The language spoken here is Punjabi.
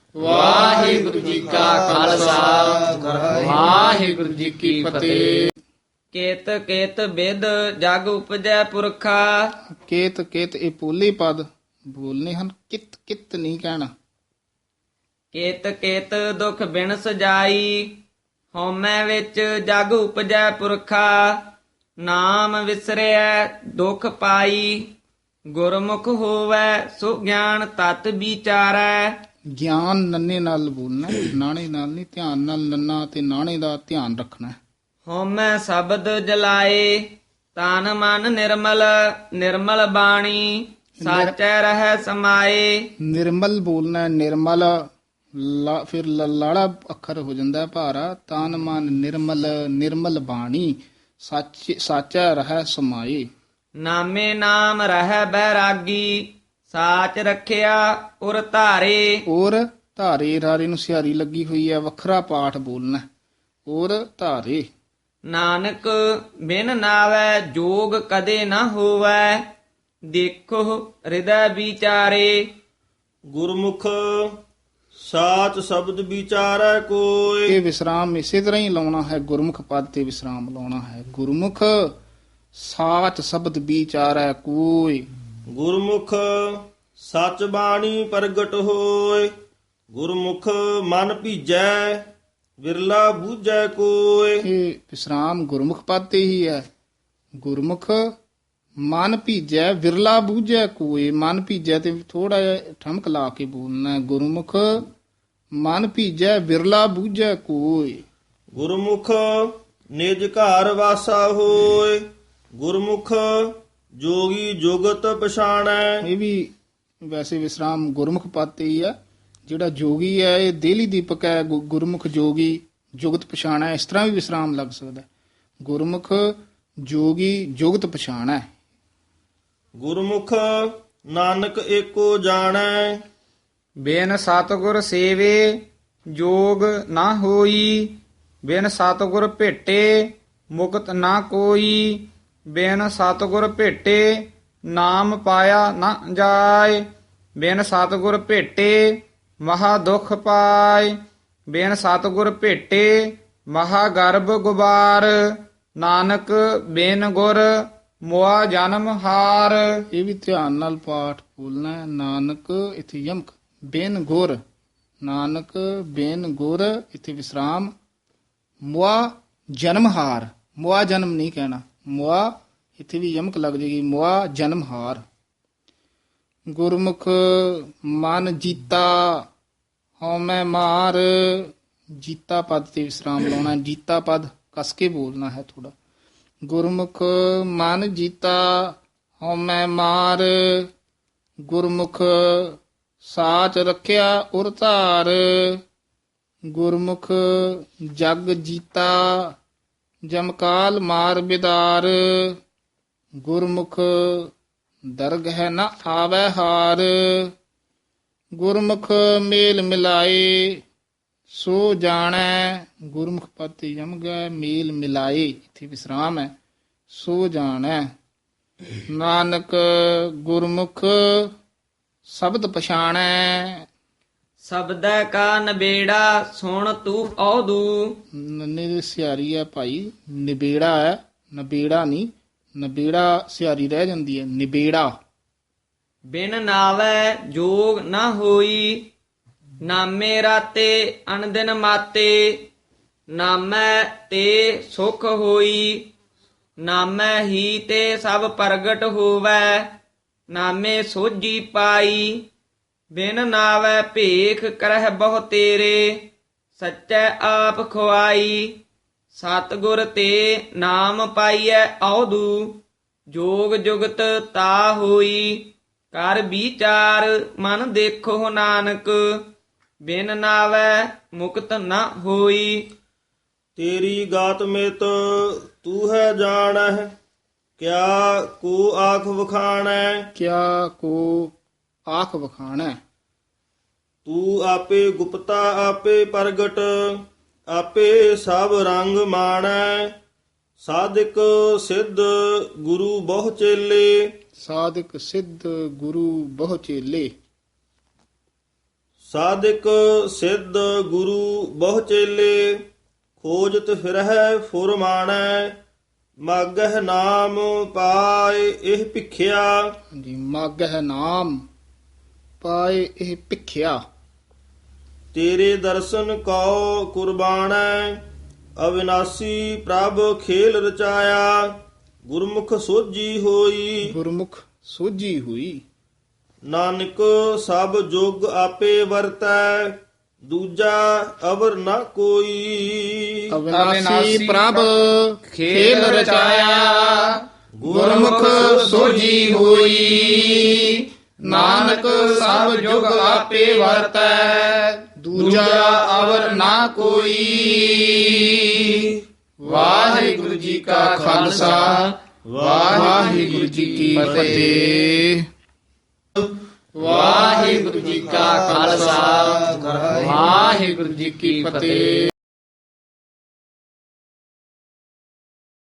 ਵਾਹਿਗੁਰੂ ਜੀ ਕਾ ਖਾਲਸਾ ਵਾਹਿਗੁਰੂ ਜੀ ਕੀ ਫਤਿਹ। ਕੇਤ ਕੇਤ ਬਿਦ ਜਗ ਉਪਜੈ ਪੁਰਖਾ। ਕੇਤ ਕੇਤ ਇਹ ਪੋਲੇ ਪਦ ਬੋਲਨੇ ਹਨ, ਕਿਤ ਕਿਤ ਨਹੀਂ ਕਹਿਣਾ। ਕੇਤ ਕੇਤ ਦੁਖ ਬਿਨ ਸਜਾਈ, ਹਉਮੈ ਵਿੱਚ ਜਗ ਉਪਜੈ ਪੁਰਖਾ। ਨਾਮ ਵਿਸਰਿਐ ਦੁਖ ਪਾਈ, ਗੁਰਮੁਖ ਹੋਵੈ ਸੋ ਗਿਆਨ ਤਤ ਵਿਚਾਰੈ। ਗਿਆਨ ਨੰਨੇ ਨਾਲ ਬੋਲਣਾ, ਨਾਣੇ ਨਾਲ ਨਹੀਂ। ਧਿਆਨ ਨਾਲ ਨੰਨਾ ਤੇ ਨਾਣੇ ਦਾ ਧਿਆਨ ਰੱਖਣਾ। ਹਉਮੈ ਸ਼ਬਦ ਜਲਾਏ, ਤਨ ਮਨ ਨਿਰਮਲ। ਨਿਰਮਲ ਬਾਣੀ ਸਾਚੈ ਰਹਿ ਸਮਾਏ। ਨਿਰਮਲ ਬੋਲਣਾ, ਨਿਰਮਲ ਫਿਰ ਲਾੜਾ ਅੱਖਰ ਹੋ ਜਾਂਦਾ ਭਾਰਾ। ਤਨ ਮਨ ਨਿਰਮਲ, ਨਿਰਮਲ ਬਾਣੀ ਸਾਚਾ ਰਹਿ ਸਮਾਏ। ਨਾਮੇ ਨਾਮ ਰਹਿ ਬੈਰਾਗੀ, ਸਾਚ ਰੱਖਿਆ ਉਰ ਧਾਰੇ। ਔਰ ਧਾਰੇ ਰਾਰੇ ਨੂੰ ਸਿਹਾਰੀ ਲੱਗੀ ਹੋਈ ਹੈ, ਵੱਖਰਾ ਪਾਠ ਬੋਲਣਾ। ਔਰ ਧਾਰੇ। ਨਾਨਕ ਬਿਨ ਨਾਵੈ ਜੋਗ ਕਦੇ ਨਾ ਹੋਵੈ, ਦੇਖੋ ਹਿਰਦੈ ਵਿਚਾਰੇ। ਗੁਰਮੁਖ ਸਾਚ ਸ਼ਬਦ ਵਿਚਾਰੈ ਕੋਈ। ਇਹ ਵਿਸਰਾਮ ਇਸੇ ਤਰ੍ਹਾਂ ਹੀ ਲਾਉਣਾ ਹੈ, ਗੁਰਮੁਖ ਪਦ ਤੇ ਵਿਸਰਾਮ ਲਾਉਣਾ ਹੈ। ਗੁਰਮੁਖ ਸਾਚ ਸ਼ਬਦ ਵਿਚਾਰੈ ਕੋਈ। ਗੁਰਮੁਖ ਸਚ ਬਾਣੀ ਪ੍ਰਗਟ ਹੋਏ। ਗੁਰਮੁਖ ਮਨ ਭੀਜੈ ਵਿਰਲਾ ਬੂਝੈ ਕੋਈ। ਇਹ ਵਿਸਰਾਮ ਗੁਰਮੁਖ ਪਦ ਤੇ ਹੀ ਹੈ। ਗੁਰਮੁਖ ਮਨ ਭੀਜੈ ਵਿਰਲਾ ਬੂਝੈ ਕੋਈ। ਮਨ ਭੀਜੈ ਤੇ ਥੋੜਾ ਜਿਹਾ ਠਮਕ ਲਾ ਕੇ ਬੋਲਣਾ। ਗੁਰਮੁਖ ਮਨ ਭੀਜੈ ਵਿਰਲਾ ਬੂਝੈ ਕੋਈ। ਗੁਰਮੁਖ ਨਿਜ ਘਰ ਵਾਸਾ ਹੋਏ। ਗੁਰਮੁਖ ਜੋਗੀ ਜੁਗਤ ਪਛਾਣੈ। ਇਹ ਵੀ ਵੈਸੇ ਵਿਸਰਾਮ ਗੁਰਮੁਖ ਪਦ ਤੇ ਹੀ ਹੈ। ਜਿਹੜਾ ਜੋਗੀ ਹੈ ਇਹ ਦੇਲੀ ਦੀਪਕ ਹੈ। ਗੁਰਮੁਖ ਜੋਗੀ ਜੁਗਤ ਪਛਾਣੈ, ਇਸ ਤਰ੍ਹਾਂ ਵੀ ਵਿਸਰਾਮ ਲੱਗ ਸਕਦਾ। ਗੁਰਮੁਖ ਜੋਗੀ ਜੁਗਤ ਪਛਾਣੈ। ਗੁਰਮੁਖ ਨਾਨਕ ਏਕੋ ਜਾਣੈ। ਬਿਨ ਸਤਿਗੁਰ ਸੇਵੇ ਜੋਗ ਨਾ ਹੋਈ, ਬਿਨ ਸਤਿਗੁਰ ਭੇਟੇ ਮੁਕਤ ਨਾ ਕੋਈ। ਬਿਨ ਸਤਿਗੁਰ ਭੇਟੇ ਨਾਮ ਪਾਇਆ ਨਾ ਜਾਏ, ਬਿਨ ਸਤਿਗੁਰ ਭੇਟੇ ਮਹਾ ਦੁਖ ਪਾਏ। ਬਿਨ ਸਤਿਗੁਰ ਭੇਟੇ ਮਹਾ ਗਰਭ ਗੁਬਾਰ, ਨਾਨਕ ਬਿਨ ਗੁਰ ਮੁਆ ਜਨਮ ਹਾਰ। ਇਹ ਵੀ ਧਿਆਨ ਨਾਲ ਪਾਠ ਬੋਲਣਾ ਹੈ। ਨਾਨਕ ਇਥੇ ਯਮਕ, ਬਿਨ ਗੁਰ। ਨਾਨਕ ਬਿਨ ਗੁਰ ਇਥੇ ਵਿਸਰਾਮ। ਮੁਆ ਜਨਮਹਾਰ, ਮੁਆ ਜਨਮ ਨਹੀਂ ਕਹਿਣਾ। ਮੁਆ ਇੱਥੇ ਵੀ ਯਮਕ ਲੱਗ ਜਾਏਗੀ। ਮੁਆ ਜਨਮਹਾਰ। ਗੁਰਮੁਖ ਮਨ ਜੀਤਾ ਹਉਮੈ ਮਾਰ। ਜੀਤਾ ਪਦ ਤੇ ਵਿਸਰਾਮ ਲਾਉਣਾ। ਜੀਤਾ ਪਦ ਕਸ ਕੇ ਬੋਲਣਾ ਹੈ ਥੋੜਾ। ਗੁਰਮੁਖ ਮਨ ਜੀਤਾ ਹਉਮੈ ਮਾਰ। ਗੁਰਮੁਖ ਸਾਚ ਰੱਖਿਆ ਉਰ ਧਾਰ। ਗੁਰਮੁਖ ਜਗ ਜੀਤਾ ਜਮਕਾਲ ਮਾਰ ਬਿਦਾਰ। ਗੁਰਮੁਖ ਦਰਗਹਿ ਨ ਆਵੈ ਹਾਰ। ਗੁਰਮੁਖ ਮੇਲ ਮਿਲਾਏ ਸੋ ਜਾਣੈ। ਗੁਰਮੁਖ ਪਦ ਤੇ ਯਮ ਗਿਆ। ਮੇਲ ਮਿਲਾਏ ਇੱਥੇ ਵਿਸਰਾਮ ਹੈ। ਸੋ ਜਾਣੈ। ਨਾਨਕ ਗੁਰਮੁਖ ਸ਼ਬਦ ਪਛਾਣੈ। ਸ਼ਬਦੈ ਕਾ ਨਬੇੜਾ ਸੁਣ ਤੂੰ ਔਦੂ। ਨੰਨੇ ਦੀ ਸਿਆਰੀ ਹੈ ਭਾਈ, ਨਿਬੇੜਾ ਹੈ, ਨਬੇੜਾ ਨਹੀਂ। ਨਬੇੜਾ ਸਿਆਰੀ ਰਹਿ ਜਾਂਦੀ ਹੈ, ਨਿਬੇੜਾ। ਬਿਨ ਨਾਵੈ ਜੋਗ ਨਾ ਹੋਈ, ਨਾਮੇ ਰਾਤੇ ਅਨਦਿਨ ਮਾਤੇ। ਨਾਮੈ ਤੇ ਸੁਖ ਹੋਈ, ਨਾਮੈ ਹੀ ਤੇ ਸਭ ਪ੍ਰਗਟ ਹੋਵੈ। ਨਾਮੇ ਸੋਝੀ ਪਾਈ, ਬਿਨ ਨਾਵੈ ਭੇਖ ਕਰਹਿ ਬਹੁ ਤੇਰੇ। ਸੱਚੈ ਆਪ ਖੁਆਈ, ਸਤਿਗੁਰ ਤੇ ਨਾਮ ਪਾਈਐ ਔਦੂ। ਜੋਗ ਜੁਗਤ ਤਾ ਹੋਈ, ਕਰ ਵਿਚਾਰ ਮਨ ਦੇਖੋ ਨਾਨਕ। ਬਿਨ ਨਾਵੈ ਮੁਕਤ ਨਾ ਹੋਈ। ਤੇਰੀ ਗਾਤ ਮਿਤ ਤੂੰ ਹੈ ਜਾਣਹਿ। ਕਿਆ ਕੋ ਆਖ ਵਖਾਣੈ। ਕਿਆ ਕੋ ਆਖ ਵਖਾਣੈ। ਤੂੰ ਆਪੇ ਗੁਪਤਾ ਆਪੇ ਪ੍ਰਗਟ। ਆਪੇ ਸਭ ਰੰਗ ਮਾਣੈ। ਸਾਧਿਕ ਸਿੱਧ ਗੁਰੂ ਬਹੁ ਚੇਲੇ। ਸਾਧਕ ਸਿੱਧ ਗੁਰੂ ਬਹੁ ਚੇਲੇ। ਸਾਧਿਕ ਸਿੱਧ ਗੁਰੂ ਬਹੁ ਚੇਲੇ ਖੋਜਤ ਫਿਰਹਿ ਫੁਰਮਾਣੈ ਮਾਗਹਿ ਨਾਮ ਪਾਏ ਇਹ ਭਿਖਿਆ ਜੀ ਮਾਗਹਿ ਨਾਮ ਪਾਏ ਇਹ ਭਿਖਿਆ ਤੇਰੇ ਦਰਸ਼ਨ ਕਉ ਕੁਰਬਾਨੈ ਅਵਿਨਾਸੀ ਪ੍ਰਭ ਖੇਲ ਰਚਾਇਆ ਗੁਰਮੁਖ ਸੋਜੀ ਹੋਈ ਗੁਰਮੁਖ ਸੋਝੀ ਹੋਈ ਨਾਨਕ ਸਭ ਜੁਗ ਆਪੇ ਵਰਤੈ ਦੂਜਾ ਅਵਰ ਨਾ ਕੋਈ ਅਵਿਨਾਸੀ ਪ੍ਰਭ ਖੇਲ ਰਚਾਇਆ ਗੁਰਮੁਖ ਸੋਝੀ ਹੋਈ ਨਾਨਕ ਸਭ ਜੁਗ ਆਪੇ ਵਰਤੈ ਦੂਜਾ ਅਵਰ ਨਾ ਕੋਈ। ਵਾਹਿਗੁਰੂ ਜੀ ਕਾ ਖਾਲਸਾ ਵਾਹਿਗੁਰੂ ਜੀ ਕੀ ਫਤਿਹ। ਵਾਹਿਗੁਰੂ ਜੀ ਕਾ ਖਾਲਸਾ ਵਾਹਿਗੁਰੂ ਜੀ ਕੀ ਫਤਿਹ।